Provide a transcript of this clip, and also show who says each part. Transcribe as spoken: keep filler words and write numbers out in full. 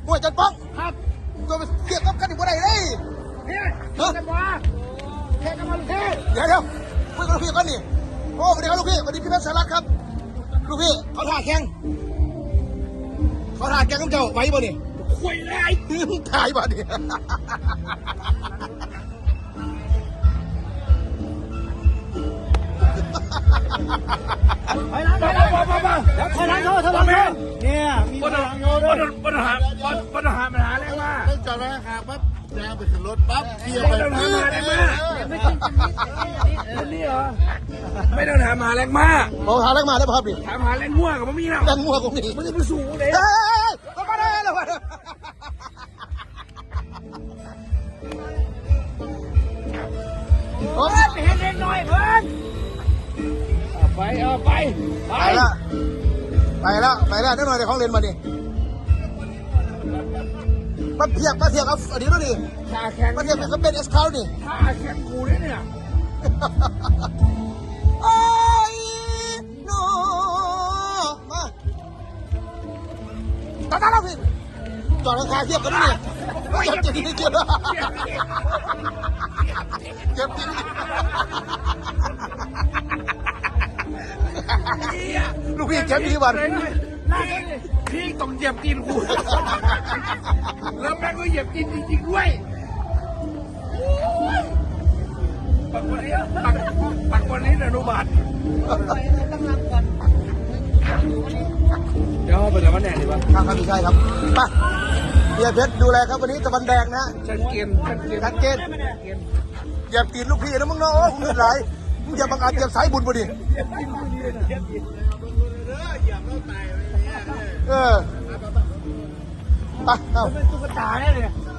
Speaker 1: มวยจันป้อง
Speaker 2: ครับ
Speaker 1: ตัวไปเทียบกับกันอยู่บ่ได้เลย
Speaker 2: เฮ้ยเฮ้ยกันวะเฮ้ยกันมาลูกเฮ้ย
Speaker 1: เดี๋ยวเดี๋ยวคุยกับลูกพี่กันนี่โอ้สวัสดีครับลูกพี่สวัสดีพี่เพชรสารัตครับลูกพี่เขาถ่าแข่งเขาถ่าแข่งกับเจ้าไหวบ่นี่
Speaker 2: คุยเลย
Speaker 1: ถ่ายบ่นี่
Speaker 2: ไปล้างไปล้างไปไปแล้วถอยหลังเขาถอยหลังเขาเนี่ยมีถอยหลังเขาด้วย
Speaker 3: ปัญหาปัญหาปัญหาอะไรมา
Speaker 4: ไม่จอดไว้ห่างปั๊บยางไปขึ้นรถปั๊บเที่ยวไป
Speaker 3: ไม่ต้องถามหาแรงมากคนนี้เหรอไม่ต้องถามหาแรงมาก
Speaker 1: มองหาแรงมาได้ป่ะครับดิ
Speaker 3: ถามหาแรงง่วงกับมันมีแล้ว
Speaker 1: แรงมัวกูนี่
Speaker 3: มันจะไปสูงเลย
Speaker 1: เฮ้ยลงมาได้ลงมาได้
Speaker 2: โอ้ยไปเห็นเล็กน้อยเพิ่น
Speaker 3: ไปเอาไปไป
Speaker 1: ไปละไปละไปละนิดหน่อยเดี๋ยวของเล่นมาดิมาเพียบมาเทียบกับอันนี้ด้วยดิ
Speaker 3: ขาแข็ง
Speaker 1: มาเทียบกับเป็นเอสคาวนี่
Speaker 3: ขาแข็งกูเนี่ย
Speaker 1: ไอ้โนมาตาตาเราสิจอดราคาเทียบกันด้วยนี่เจ็บจริงเจ็บเจ็บจริงลูกพี่เจ็บดีวัน
Speaker 3: พี่ต้องเหยียบตีนกูแล้วแม่ก็เหยียบตีนจริงๆด้วยปักวันนี้ปักปักวันนี้อนุบาลเดี๋ยวไปกับวันแหนดีป่ะ
Speaker 1: ครับครับพี่ชายครับไปเฮียเพชรดูแลครับวันนี้ตะวันแดงนะ
Speaker 3: ชัดเจนชัดเจน
Speaker 1: ชัดเจนอย่าตีนลูกพี่นะมึงเนาะโอ้มึงเงินไหลมึงอย่าบังอาจเหยียบสายบุญบ่ดิเออไปเอา
Speaker 2: เป็นตุ๊กตาเนี่ย